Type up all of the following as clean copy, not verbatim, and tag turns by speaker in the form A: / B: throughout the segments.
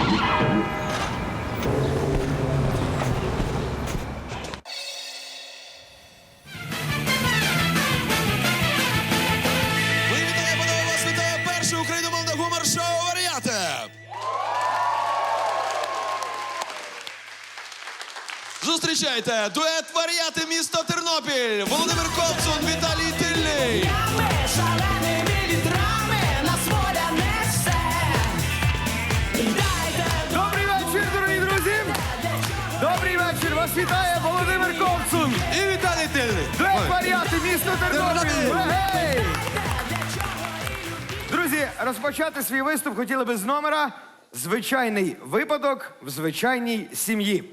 A: Зустрічайте, дует «Варіати» місто Тернопіль, Володимир Ковцун, Віталій Тильний.
B: Шаленими вітрами нас воля несе.
C: Добрий вечір, дорогі друзі! Добрий вечір! Вас вітає Володимир Ковцун!
A: І Віталій Тильний.
C: Дует «Варіати» місто Тернопіль! Гей! Друзі, розпочати свій виступ хотіли би з номера «Звичайний випадок в звичайній сім'ї».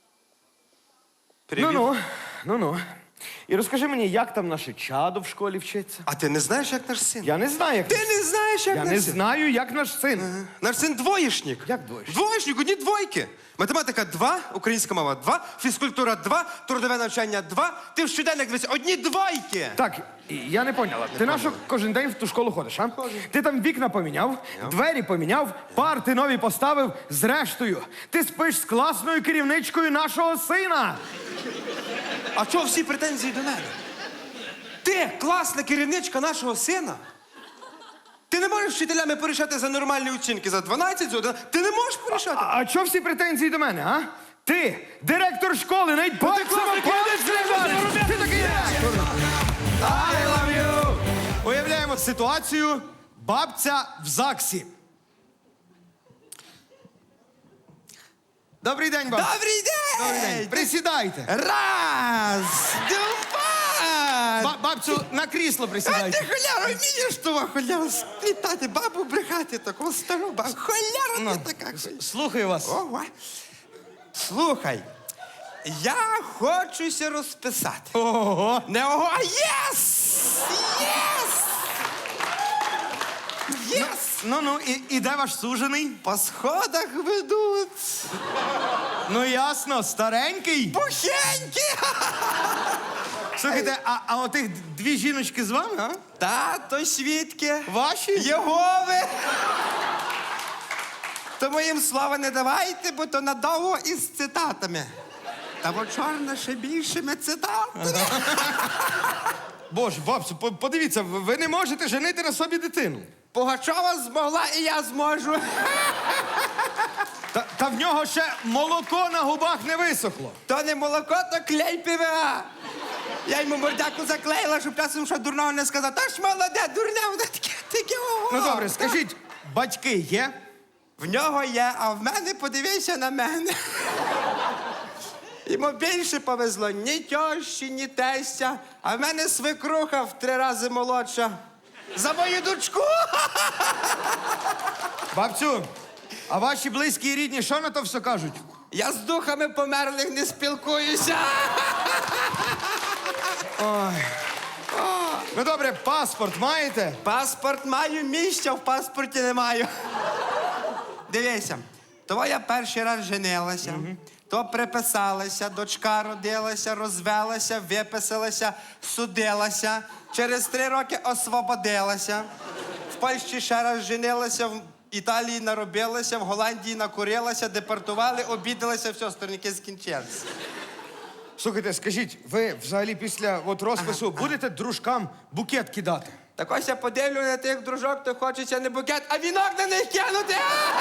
D: Привіт.
C: Ну-ну. І розкажи мені, як там наше чадо в школі вчиться?
D: А ти не знаєш, як наш син?
C: Я не знаю, як
D: Ти не знаєш, як
C: Я
D: наш
C: не
D: син?
C: знаю, як наш син.
D: Наш син двоєшник.
C: Як двоєшник?
D: Двоєшник, одні двойки. Математика 2, українська мова 2, фізкультура 2, трудове навчання 2. Ти в щоденник дивись, одні двойки.
C: Так, я не поняла. Ти нащо кожен день в ту школу ходиш, а? Ти там вікна поміняв, двері поміняв, парти нові поставив. Зрештою, ти спиш з класною керівничкою нашого сина.
D: А чого всі претензії до мене? Ти класна керівничка нашого сина? Ти не можеш з вчителями порішати за нормальні оцінки, за 12, за 11? Ти не можеш порішати?
C: А чого всі претензії до мене, а? Ти, директор школи, навіть пальцем палець не вдариш. Ти такий директор. I love you. Уявляємо ситуацію. Бабця в ЗАГСі. Добрий день, бабця.
D: Добрий день!
C: Добрий день. Присідайте.
D: Раз, два.
C: Бабцю, на крісло
D: А ти,
C: присідайте.
D: холяра, вмієш того холяру сплітати, бабу брехати, таку стару бабу. Холяра ти така.
C: Слухаю вас.
D: Ого. Слухай, я хочуся розписати.
C: Ого.
D: Не ого, а єс! Єс! Єс!
C: Ну, і де ваш сужений?
D: По сходах ведуть.
C: Ну, ясно, старенький.
D: Бухенькі!
C: Слухайте, а отих дві жіночки з вами, а?
D: Тато свідки.
C: Ваші?
D: Єгови. Тому їм слова не давайте, бо то надовго із цитатами. Та бо чорна ще більшими цитатами.
C: Боже, бабцю, подивіться, ви не можете женити на собі дитину.
D: Пугачова змогла, і я зможу.
C: Та в нього ще молоко на губах не висохло.
D: То не молоко, то клей ПВА. Я йому мордяку заклеїла, щоб часом що дурного не сказав. Та ж молоде, дурне, воно таке ого.
C: Ну добре, скажіть, батьки є?
D: В нього є, а в мене подивися на мене. Йому більше повезло ні тьощі, ні тестя, а в мене свекруха в 3 рази молодша. За мою дочку!
C: Бабцю, а ваші близькі і рідні що на то все кажуть?
D: Я з духами померлих не спілкуюся.
C: Ну добре, паспорт маєте?
D: Паспорт маю, місця в паспорті не маю. Дивися, то я перший раз женилася, то приписалася, дочка родилася, розвелася, виписалася, судилася. Через 3 роки освободилася. В Польщі ще раз женилася, в Італії наробилася, в Голландії накурилася, депортували, обідалася, все, сторінки скінчилися.
C: Слухайте, скажіть, ви взагалі після розпису будете дружкам букет кидати?
D: Так ось я подивлю на тих дружок, то хочеться не букет, а вінок на них кинути.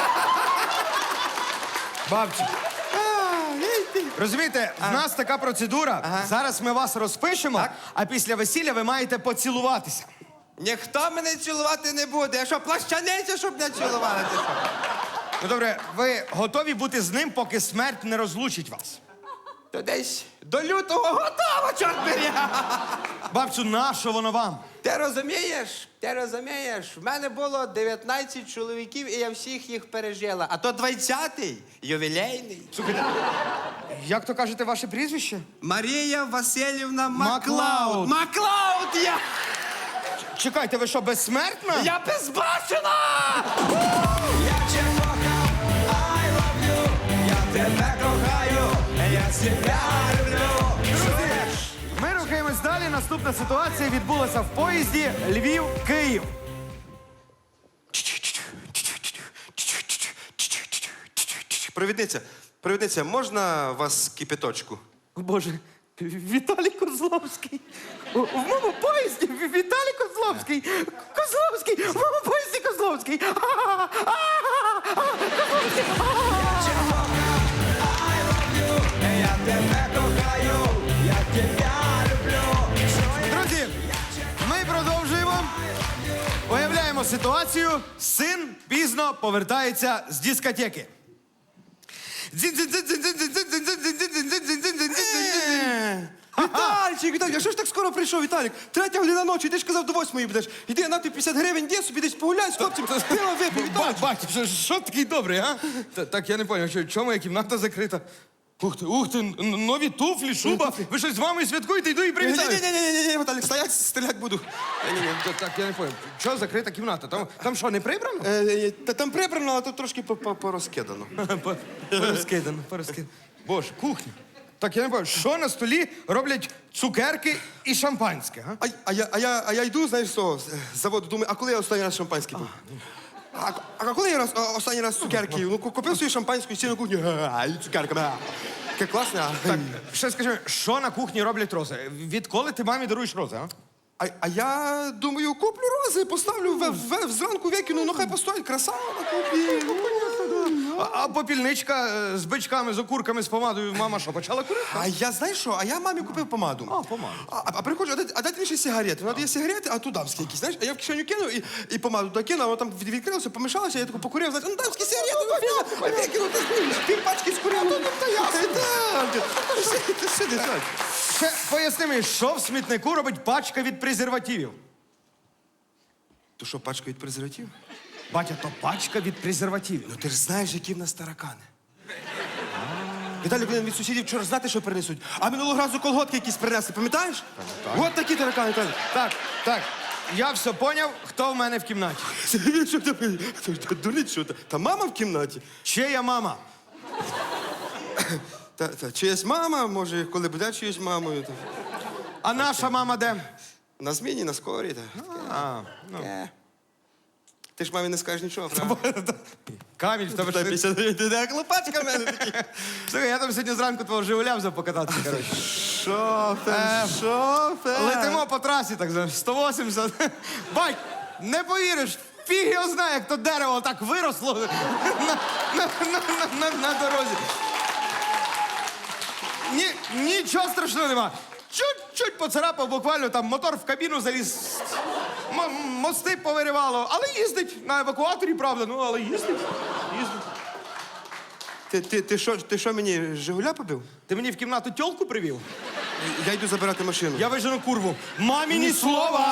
C: Бабцю, розумієте, в нас така процедура. Зараз ми вас розпишемо, а після весілля ви маєте поцілуватися.
D: Ніхто мене цілувати не буде. Я що, плащаниця, щоб не цілували? Ти що?
C: Ну добре, ви готові бути з ним, поки смерть не розлучить вас?
D: То десь до лютого готово, чорт бери.
C: Бабцю, нащо воно вам?
D: Ти розумієш? Ти розумієш? В мене було 19 чоловіків, і я всіх їх пережила. А то 20-й, ювілейний.
C: Слухайте, як то кажете ваше прізвище?
D: Марія Васильівна
C: Маклауд.
D: Маклауд я!
C: Чекайте, ви що, безсмертна?
D: Я безбашена!
B: Я тебе кохав, I love you. Я тебе кохаю, я себе люблю.
C: Ми рухаємось далі. Наступна ситуація відбулася в поїзді Львів-Київ.
D: Провідниця, можна вас кипяточку?
C: О, Боже, Віталій Козловський. В моєму поїзді Віталій Козловський. Козловський, в моєму поїзді Козловський.
B: Я тебе кохаю, я тебя люблю.
C: Друзі, ми продовжуємо. Уявляємо ситуацію. Син пізно повертається з дискотеки.
D: Віталік, а що ж так скоро прийшов, Віталік? 3:00 ночі, ти ж казав, до 8:00 будеш. Іди, на тобі 50 гривень, де собі десь погуляй з хлопцем, пиво випий, Віталік.
C: Бать, що такий добрий, а? Так, я не зрозумів, чому моя кімната закрита? Ух ти, нові туфлі, шуба. Ви щось з мамою святкуєте, йду і привітаю.
D: Ні, Віталік, стоять, стріляти буду.
C: Так, я не зрозумів. Чого закрита кімната? Там що, не прибрано?
D: Та там прибрано, а тут трошки порозкидано.
C: Порозкидано. Боже, кухня. Так, я не пам'ятаю, що на столі роблять цукерки і шампанське, а?
D: А я йду, знаєш, з того, з заводу, думаю, а коли я останній раз шампанське пив? А коли я останній раз цукерки? Ну, купив собі шампанську і сів на кухню, і цукерка. Таке класне, а?
C: Так, ще скажи, що на кухні роблять рози? Відколи ти мамі даруєш рози, а?
D: А я думаю, куплю рози, поставлю зранку викину, ну хай постоїть, красава на кухні.
C: А попільничка з бичками, з окурками, з помадою, мама що, почала курити?
D: А я, знаєш що, а я мамі купив помаду.
C: А, помаду.
D: А приходжу, а дайте мені ще сигарети. Вона дає сигарети, а тут дамські якісь, знаєш? А я в кишеню кинув і помаду туди кинув, а воно там відкрилося, помішалося, я таку покурив, знаєш, ну дамські сигарети, викинув, пів пачки скурив, ну та ясно. Ти сиди, так.
C: Ще поясни мені, що в смітнику робить пачка від презервативів?
D: То що, пачка від презервативів?
C: Батя, то пачка від презервативів.
D: Ну ти ж знаєш, які в нас таракани. Віталій повинен від сусідів вчора знати, що принесуть. А минулого разу колготки якісь принесли, пам'ятаєш? От такі таракани, Віталій.
C: Так, я все поняв, хто в мене в кімнаті.
D: Що ти? Дурить, що? Та мама в кімнаті.
C: Чия мама?
D: Та чиясь мама, може, коли буде чиюсь мамою.
C: А наша мама де?
D: На зміні, на скорі.
C: Ну.
D: Ти ж мамі не скажеш нічого, правда?
C: Каміль, в тебе ж...
D: Ти як лопачка в мене такі.
C: Слухай, я там сьогодні зранку твого Жигуля взяв покататися, коротше.
D: Шофер.
C: Летимо по трасі, так знаєш, 180. Бать, не повіриш, фіг його знає, як то дерево так виросло на дорозі. Нічого страшного нема. Чуть-чуть поцарапав, буквально там мотор в кабіну заліз. Мости повиривало, але їздить на евакуаторі, правда, ну але їздить.
D: Ти що мені Жигуля побив?
C: Ти мені в кімнату тьолку привів?
D: Я йду забирати машину.
C: Я вижену курву. Мамі ні слова!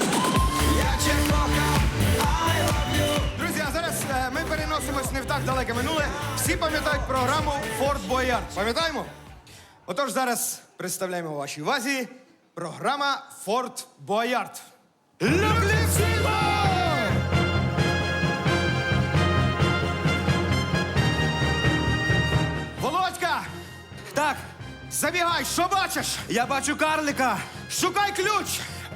C: Друзі, а зараз ми переносимось не в так далеке минуле. Всі пам'ятають програму «Форт Боярд». Пам'ятаємо? Отож, зараз представляємо вашій увазі програма «Форт Боярд». Люблю всіх! Володька!
D: Так,
C: Забігай, що бачиш?
D: я бачу карлика.
C: Шукай ключ!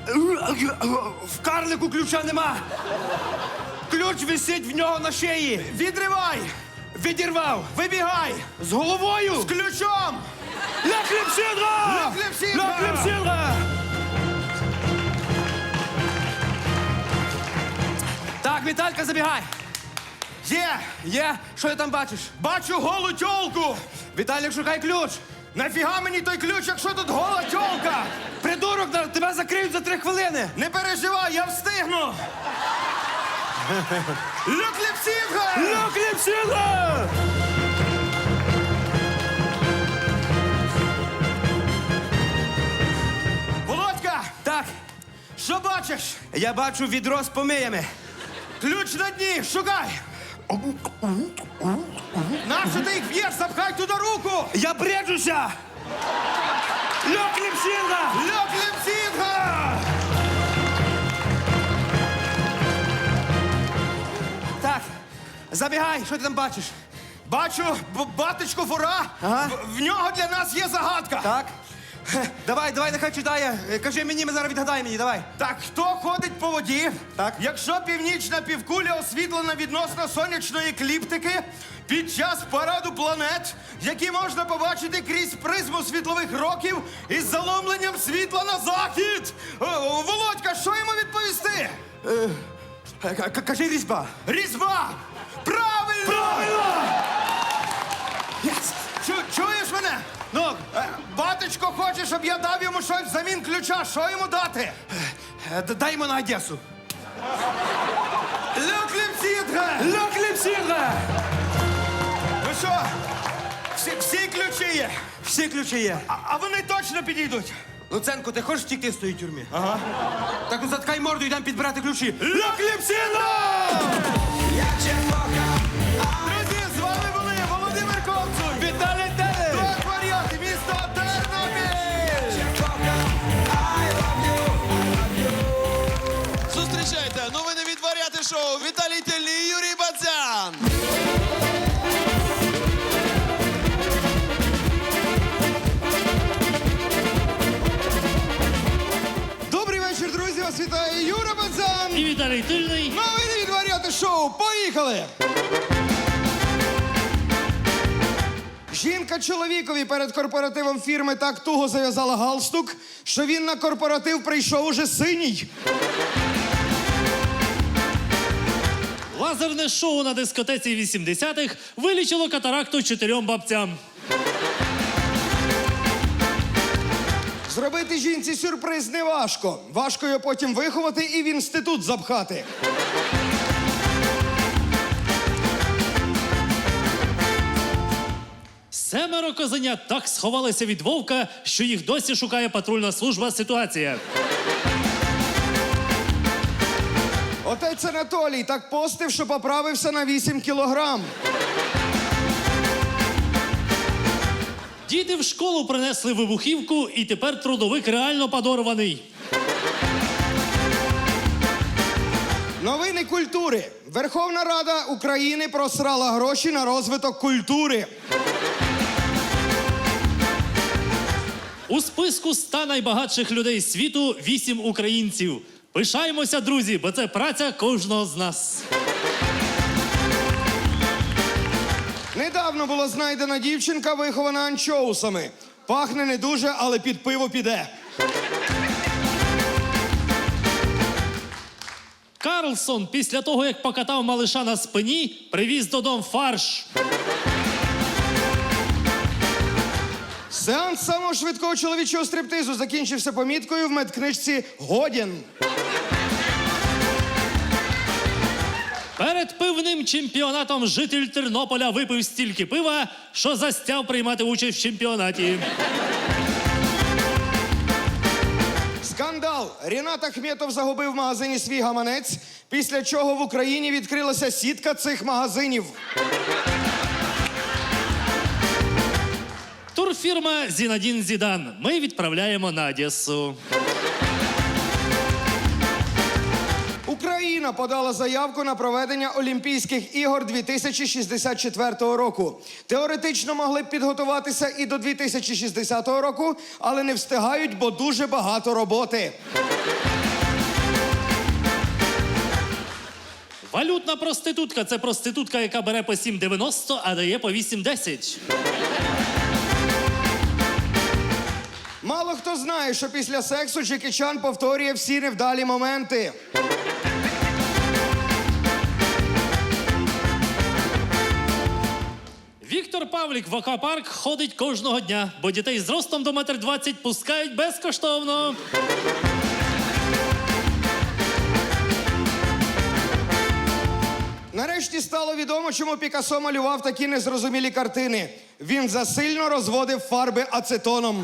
D: В карлику ключа нема. Ключ висить в нього на шиї.
C: Відривай!
D: Відірвав.
C: Вибігай!
D: З головою.
C: З ключом!
D: Ля кліпсідра!
C: Ля кліпсідра!
D: Ля кліпсідра! Так, Віталька, забігай. Є. Що ти там бачиш?
C: Бачу голу тьолку!
D: Віталік, шукай ключ.
C: Нафіга мені той ключ, якщо тут гола тьолка?
D: Придурок, тебе закриють за 3 хвилини.
C: Не переживай, я встигну! Люкліпсідга!
D: Ля кліпсідра!
C: Володька!
D: Так,
C: Що бачиш?
D: я бачу відро з помиями.
C: Ключ на дні, шукай! Нащо ти їх б'єш? Запхай туди руку!
D: Я бреджуся! Ля кліпсідра!
C: Люкліпсідга!
D: Так, забігай, що ти там бачиш?
C: Бачу батечку Фура.
D: Ага.
C: В нього для нас є загадка.
D: Так. Давай, нехай читає. Кажи мені, ми зараз відгадай мені, давай.
C: Так, хто ходить по воді?
D: Так.
C: Якщо північна півкуля освітлена відносно сонячної екліптики під час параду планет, які можна побачити крізь призму світлових років із заломленням світла на захід. Володька, що йому відповісти?
D: Кажи різьба.
C: Різьба! Правильно! Правильно! Чуєш мене?
D: Ну,
C: Батечко хоче, щоб я дав йому щось взамін ключа. Що йому дати?
D: дай йому на Одесу.
C: Ле кліпсідре! Ну що, всі ключі є?
D: Всі ключі є.
C: А вони точно підійдуть?
D: Луценко, ти хочеш втікти з тої тюрми? Ага. Так ну заткай морду, йдемо підбирати ключі.
C: Ле кліпсідре!
B: Я тебе кохав.
C: Друзі, з вами були Володимир Ковцун,
D: Віталій Теле!
C: Трьох варіантів, місто Тернопіль!
B: I love you.
A: Зустрічайте новини від Варіати Шоу. Віталій Тельний і Юрій Бадзян.
C: Добрий вечір, друзі! Вас вітає Юра Бадзян!
E: І Віталій Тильний.
C: Новини від Варіати Шоу! Поїхали! Жінка чоловікові перед корпоративом фірми так туго зав'язала галстук, що він на корпоратив прийшов уже синій.
E: Лазерне шоу на дискотеці 80-х вилічило катаракту 4 бабцям.
C: Зробити жінці сюрприз не важко. Важко його потім виховати і в інститут запхати.
E: Семеро козенят так сховалися від вовка, що їх досі шукає патрульна служба «Ситуація».
C: Отець Анатолій так постив, що поправився на 8 кілограм.
E: Діти в школу принесли вибухівку, і тепер трудовик реально подорваний.
C: Новини культури. Верховна Рада України просрала гроші на розвиток культури.
E: У списку 100 найбагатших людей світу 8 українців. Пишаємося, друзі, бо це праця кожного з нас.
C: Недавно була знайдена дівчинка, вихована анчоусами. Пахне не дуже, але під пиво піде.
E: Карлсон після того, як покатав малиша на спині, привіз додому фарш.
C: Сеанс самого швидкого чоловічого стриптизу закінчився поміткою в медкнижці «Годен».
E: Перед пивним чемпіонатом житель Тернополя випив стільки пива, що застяв приймати участь в чемпіонаті.
C: Скандал. Рінат Ахметов загубив в магазині свій гаманець, після чого в Україні відкрилася сітка цих магазинів.
E: Турфірма «Зінадін Зідан». Ми відправляємо на Одесу.
C: Україна подала заявку на проведення Олімпійських ігор 2064 року. Теоретично могли б підготуватися і до 2060 року, але не встигають, бо дуже багато роботи.
E: Валютна проститутка – це проститутка, яка бере по 7,90, а дає по 8,10.
C: Мало хто знає, що після сексу Джекі Чан повторює всі невдалі моменти.
E: Віктор Павлік в аквапарк ходить кожного дня, бо дітей з ростом до 1,20 м пускають безкоштовно.
C: Нарешті стало відомо, чому Пікассо малював такі незрозумілі картини. Він засильно розводив фарби ацетоном.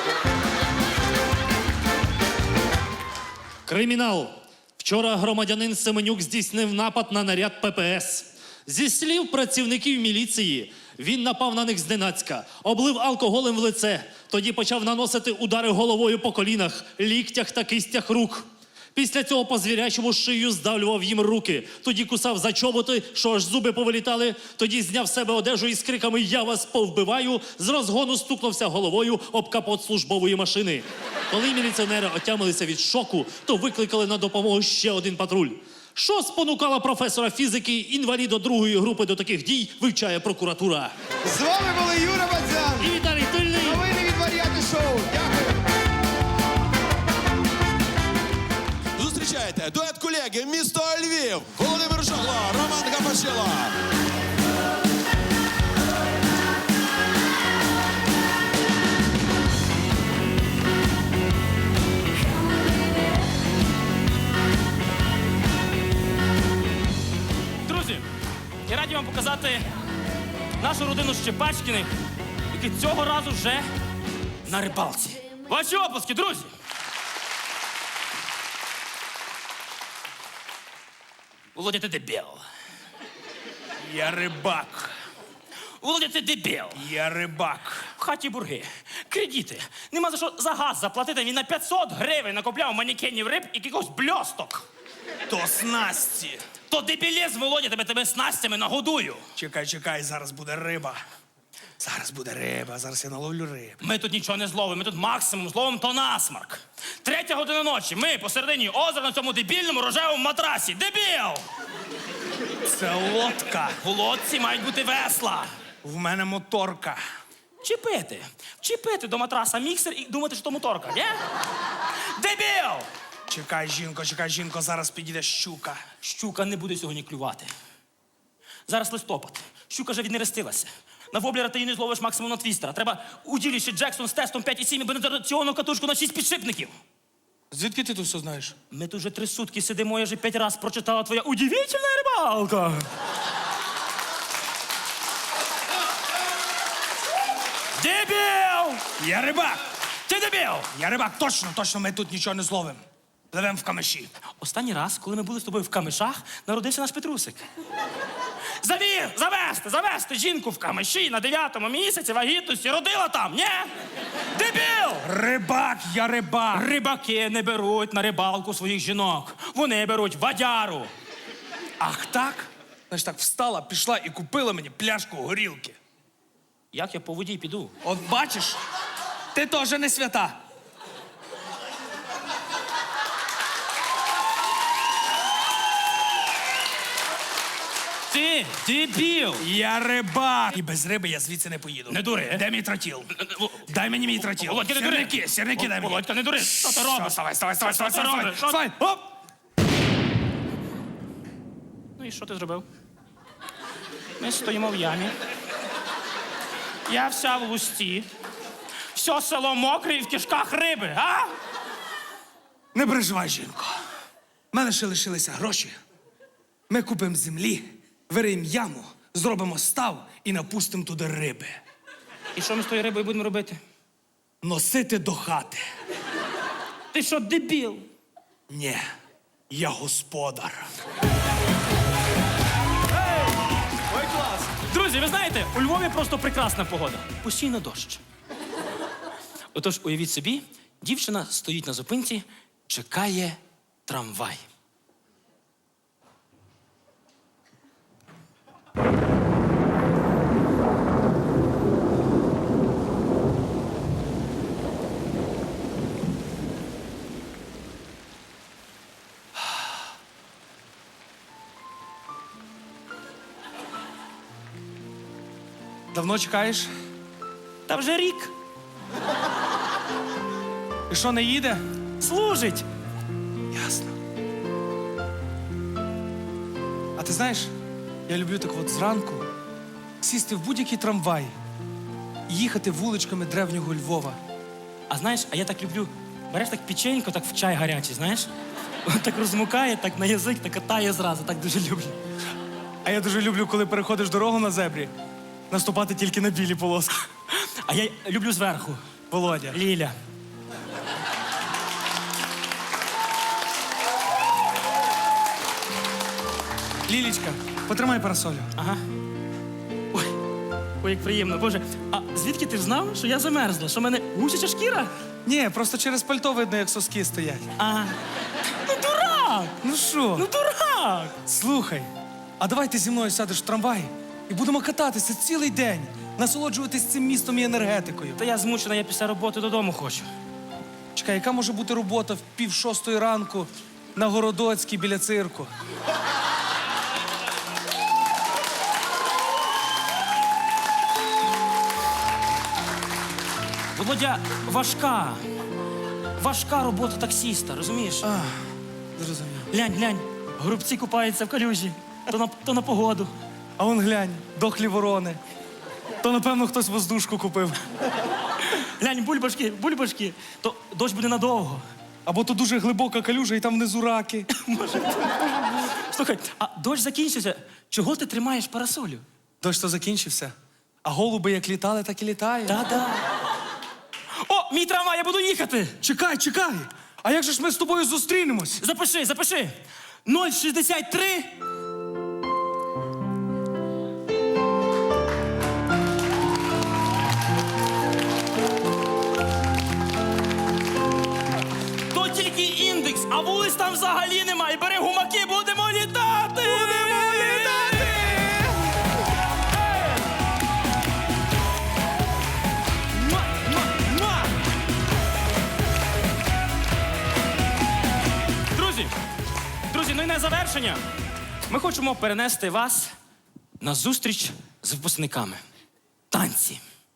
E: Кримінал. Вчора громадянин Семенюк здійснив напад на наряд ППС. Зі слів працівників міліції, він напав на них зненацька, облив алкоголем в лице, тоді почав наносити удари головою по колінах, ліктях та кистях рук. Після цього по звірячому шию здавлював їм руки. Тоді кусав за чоботи, що аж зуби повилітали. Тоді зняв з себе одежу із криками «Я вас повбиваю!» з розгону стукнувся головою об капот службової машини. Коли міліціонери отямилися від шоку, то викликали на допомогу ще один патруль. Що спонукало професора фізики, інваліда другої групи до таких дій, вивчає прокуратура.
C: З вами були Юра Бадзян.
E: І Віталій Тильний.
C: Новини від Варіати Шоу. Дякую.
A: Зустрічайте дует колеги місто Львів, Володимир Жагло, Роман Гапашило.
F: Друзі, я раді вам показати нашу родину Щепачкіних, які цього разу вже на рибалці. Ваші оплески, друзі! Володя, ти дебіл.
B: Я рибак.
F: Володя, ти дебіл.
B: Я рибак.
F: В хаті бурги, кредити. Нема за що за газ заплатити. Він на 500 гривень накопляв манекенів риб і якихось бльосток.
B: То снасті.
F: То дебілізм, Володя, тебе снастями нагодую.
B: Чекай, зараз буде риба. Зараз я наловлю рибу.
F: Ми тут нічого не зловимо, ми тут максимум зловимо то насмарк. 3 година ночі, ми посередині озера на цьому дебільному рожевому матрасі. Дебіл!
B: Це лодка.
F: В лодці мають бути весла.
B: В мене моторка.
F: Чіпити до матраса міксер і думати, що то моторка, ні? Дебіл!
B: Чекай, жінко, зараз підійде щука.
F: Щука не буде сьогодні клювати. Зараз листопад. Щука вже віднерестилася. На воблера ти її не зловиш максимум на твістера. Треба уділіще Джексон з тестом 5,7 і бензонаціонну катушку на 6 підшипників.
B: Звідки ти тут все знаєш?
F: Ми тут вже 3 сутки сидимо, я вже 5 раз прочитала твоя удивительна рибалка. Дебіл!
B: Я рибак!
F: Ти дебіл!
B: Я рибак, точно, ми тут нічого не зловимо. Пливемо в камиші.
F: Останній раз, коли ми були з тобою в камишах, народився наш Петрусик. Завести жінку в камиші на 9-му місяці вагітності, родила там, ні? Дебіл!
B: Рибак, я рибак.
F: Рибаки не беруть на рибалку своїх жінок. Вони беруть вадяру.
B: Ах так? Значить так, встала, пішла і купила мені пляшку горілки.
F: Як я по воді піду?
B: От бачиш, ти теж не свята.
F: Ти дебіл!
B: Я рибак. І без риби я звідси не поїду.
F: Не дури.
B: Де мій тротіл? Дай мені мій тротіл.
F: Володька, не дури.
B: Сірники дай мені.
F: Володька, не дури. Що ти робиш?
B: Вставай.
F: Що ти робиш? Що-
B: Вставай. Оп.
F: Ну і що ти зробив? Ми стоїмо в ямі. Я вся в лусті. Все село мокре і в кишках риби, а?
B: Не переживай, жінко. У мене ще лишилися гроші. Ми купимо землі, вириємо яму, зробимо став і напустимо туди риби.
F: І що ми з тою рибою будемо робити?
B: Носити до хати.
F: Ти що, дебіл?
B: Ні, я господар.
F: Друзі, ви знаєте, у Львові просто прекрасна погода. Постійно дощ. Отож, уявіть собі, дівчина стоїть на зупинці, чекає трамвай.
B: Давно чекаєш?
F: Та вже рік.
B: І що, не їде?
F: Служить.
B: Ясно. А ти знаєш, я люблю так от зранку сісти в будь-який трамвай і їхати вуличками древнього Львова.
F: А знаєш, а я так люблю, береш так печенько, так в чай гарячий, знаєш? Так розмукає, так на язик, так катає зразу, так дуже люблю.
B: А я дуже люблю, коли переходиш дорогу на зебрі, наступати тільки на білі полоски.
F: А я люблю зверху.
B: Володя.
F: Ліля.
B: Лілічка, потримай парасолю.
F: Ага. Ой, як приємно. Боже, а звідки ти ж знав, що я замерзла? Що в мене гусяча шкіра?
B: Ні, просто через пальто видно, як соски стоять.
F: Ага. Ну, дурак!
B: Ну що?
F: Ну дурак!
B: Слухай, а давай ти зі мною сядеш в трамвай і будемо кататися цілий день, насолоджуватись цим містом і енергетикою.
F: Та я змучена, я після роботи додому хочу.
B: Чекай, яка може бути робота в 5:30 ранку на Городоцькій біля цирку?
F: Володя, важка робота таксіста, розумієш?
B: Зрозумів.
F: Глянь, горобці купаються в калюжі, то на погоду.
B: А вон глянь, дохлі ворони. То, напевно, хтось воздушку купив.
F: Глянь, бульбашки, то дощ буде надовго.
B: Або то дуже глибока калюжа і там внизу раки.
F: Слухай, а дощ закінчився. Чого ти тримаєш парасолю?
B: Дощ то закінчився. А голуби як літали, так і літають.
F: Та-да. О, мій трамвай, я буду їхати.
B: Чекай. А як же ж ми з тобою зустрінемось?
F: Запиши. 063. То тільки індекс, а вулиць там взагалі немає. Бери гумаки, будемо літати! Друзі, ну і на завершення. Ми хочемо перенести вас на зустріч з випускниками. Танці.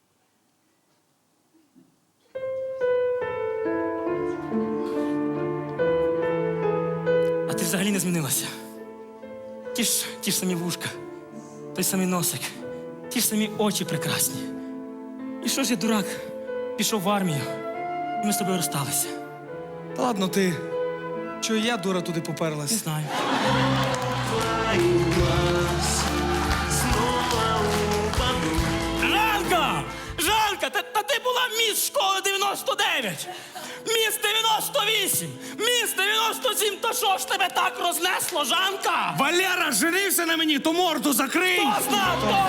F: А ти взагалі не змінилася. Ті ж самі вушка, той самий носик, ті ж самі очі прекрасні. І що ж я, дурак, пішов в армію, і ми з тобою розсталися.
B: Та ладно ти. Чого я, дура, туди
F: Не
B: поперлась?
F: знаю. Жанка, та ти була міс школи 99, міс 98, міс 97, то що ж тебе так рознесло, Жанка?
B: Валера женився на мені, то морду закрий!
F: Хто знав?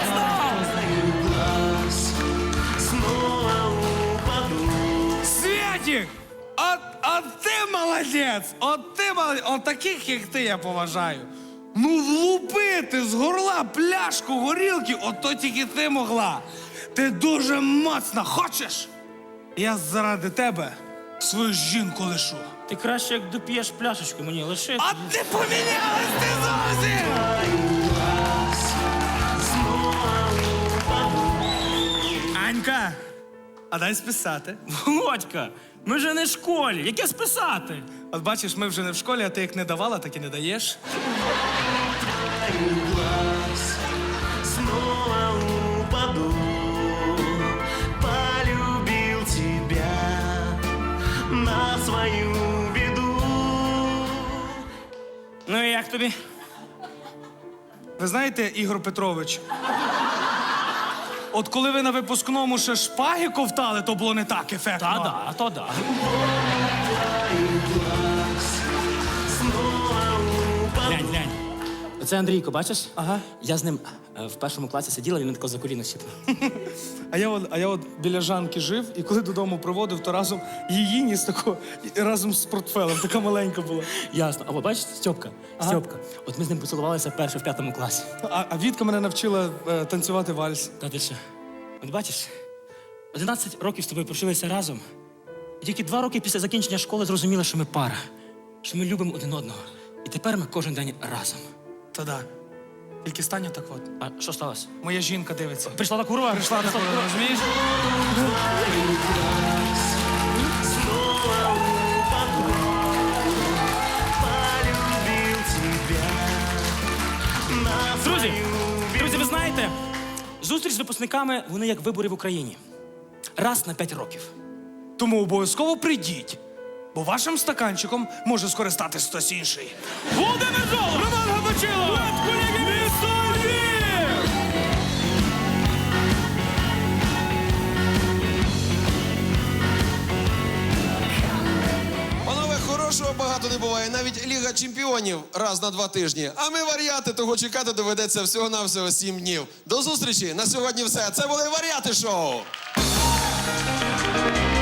B: Святик! От ти молодець! От таких, як ти, я поважаю. Ну, влупити з горла пляшку горілки, от то тільки ти могла. Ти дуже моцна. Хочеш? Я заради тебе свою жінку лишу.
F: Ти краще, як доп'єш пляшечку мені, лиши.
B: А ти помінялась, ти зовсім! Анька, а дай списати.
F: Володька, ми же не в школі, яке списати?
B: От бачиш, ми вже не в школі, а ти як не давала, так і не даєш.
G: Снова упаду, полюбил тебя на свою беду.
F: Ну і як тобі?
B: Ви знаєте, Ігор Петрович, от коли ви на випускному ще шпаги ковтали, то було не так ефектно.
F: То да. Глянь. Оце Андрійко, бачиш?
B: Ага.
F: Я з ним в першому класі сиділа, він мене тако за коліно щипнув.
B: А я от біля Жанки жив, і коли додому приводив, то разом її ніс тако, разом з портфелем, така маленька була.
F: Ясно. Або бачиш, Стьопка. От ми з ним поцілувалися вперше в 5 класі.
B: А Вітка мене навчила танцювати вальс.
F: Та ти що? От бачиш, 11 років з тобою прожилися разом. І тільки 2 роки після закінчення школи зрозуміли, що ми пара, що ми любимо один одного. І тепер ми кожен день разом.
B: Та да. Тільки стань так от.
F: А що сталося?
B: Моя жінка дивиться.
F: Прийшла та курва?
B: Прийшла така, розумієш?
F: Друзі, ви знаєте, зустріч з випускниками, вони як вибори в Україні. Раз на 5 років.
B: Тому обов'язково прийдіть, бо вашим стаканчиком може скористатись хтось інший.
F: Володимир Жолоб! Роман Габачило! Колеги місто Львів!
A: Панове, хорошого багато не буває. Навіть Ліга Чемпіонів раз на 2 тижні. А ми варіати, того чекати доведеться всього-навсього 7 днів. До зустрічі! На сьогодні все. Це були Варіати Шоу!